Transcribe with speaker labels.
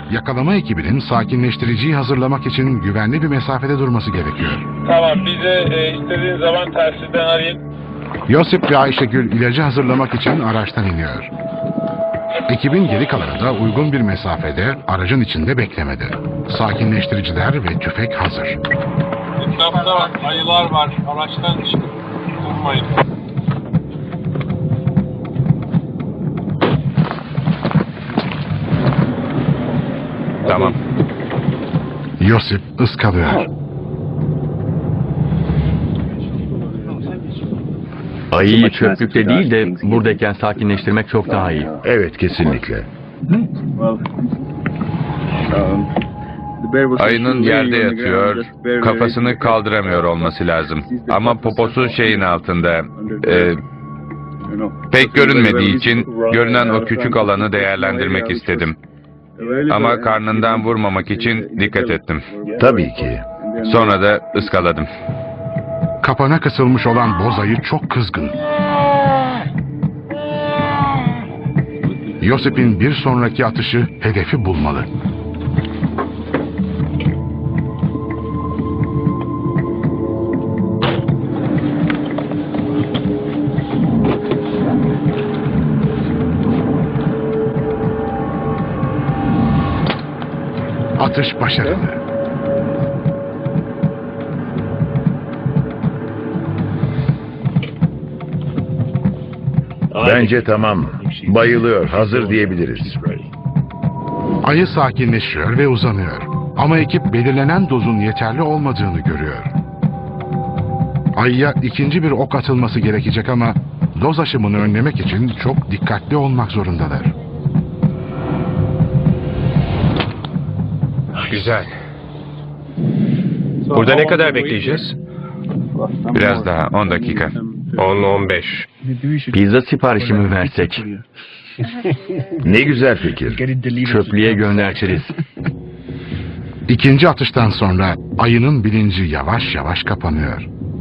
Speaker 1: Yakalama ekibinin sakinleştiriciyi hazırlamak için güvenli bir mesafede durması gerekiyor.
Speaker 2: Tamam, bize istediğin zaman telsizden arayın.
Speaker 1: Yosip ve Ayşegül ilacı hazırlamak için araçtan iniyor. Ekibin geri kalanı da uygun bir mesafede aracın içinde beklemedi. Sakinleştiriciler ve tüfek hazır.
Speaker 2: Etrafta ayılar var, araçtan çıkıp durmayın.
Speaker 3: Tamam.
Speaker 1: Yosip ıskalıyor.
Speaker 3: Ayıyı çöplükte değil de buradayken sakinleştirmek çok daha iyi.
Speaker 4: Evet, kesinlikle.
Speaker 5: Ayının yerde yatıyor, kafasını kaldıramıyor olması lazım. Ama poposu şeyin altında. Pek görünmediği için görünen o küçük alanı değerlendirmek istedim. Ama karnından vurmamak için dikkat ettim.
Speaker 4: Tabii ki.
Speaker 5: Sonra da ıskaladım.
Speaker 1: Kapana kısılmış olan boz ayı çok kızgın. Yosip'in bir sonraki atışı hedefi bulmalı. Atış başarılı.
Speaker 4: Bence tamam. Bayılıyor, hazır diyebiliriz.
Speaker 1: Ayı sakinleşiyor ve uzanıyor. Ama ekip belirlenen dozun yeterli olmadığını görüyor. Ayıya ikinci bir ok atılması gerekecek ama doz aşımını önlemek için çok dikkatli olmak zorundalar.
Speaker 3: Güzel. Burada ne kadar bekleyeceğiz?
Speaker 5: Biraz daha, 10 dakika.
Speaker 3: 10-15. Pizza siparişi mi versek?
Speaker 4: Ne güzel fikir.
Speaker 3: Çöplüğe göndertiriz.
Speaker 1: İkinci atıştan sonra ayının bilinci yavaş yavaş kapanıyor.